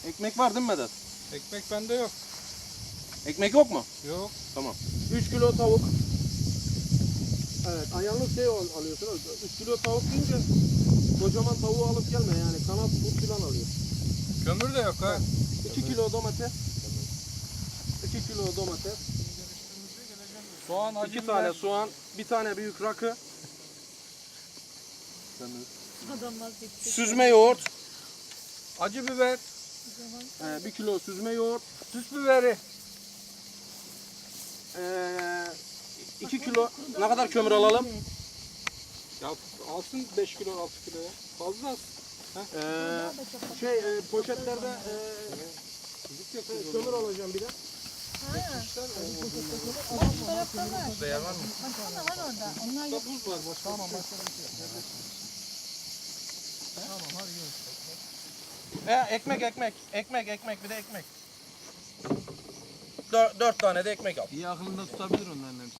Ekmek var değil mi Vedat? Ekmek bende yok. Ekmek yok mu? Yok. Tamam. 3 kilo tavuk. Evet, ayarlı şey alıyorsunuz. 3 kilo tavuk deyince kocaman tavuğu alıp gelme yani kanat but falan alıyor. Kömür de yok ha. 2 kilo domates. 2 kilo domates. Soğan, acı 2 biber. tane soğan, bir tane büyük rakı, Adamlar bitti. süzme yoğurt, Acı biber. 1 kilo süzme yoğurt, Süs biberi. 2 kilo ne kadar kömür alalım? Ya alsın 5 kilo 6 kilo ya. Fazla az. Poşetlerde kömür alacağım bir de. Bu tarafta var. Değer var mı? Baksana var orada. Onlar yok. Buz var. Tamam Ekmek bir de ekmek. 4 tane de ekmek al. İyi aklında tutabilir onların hepsini.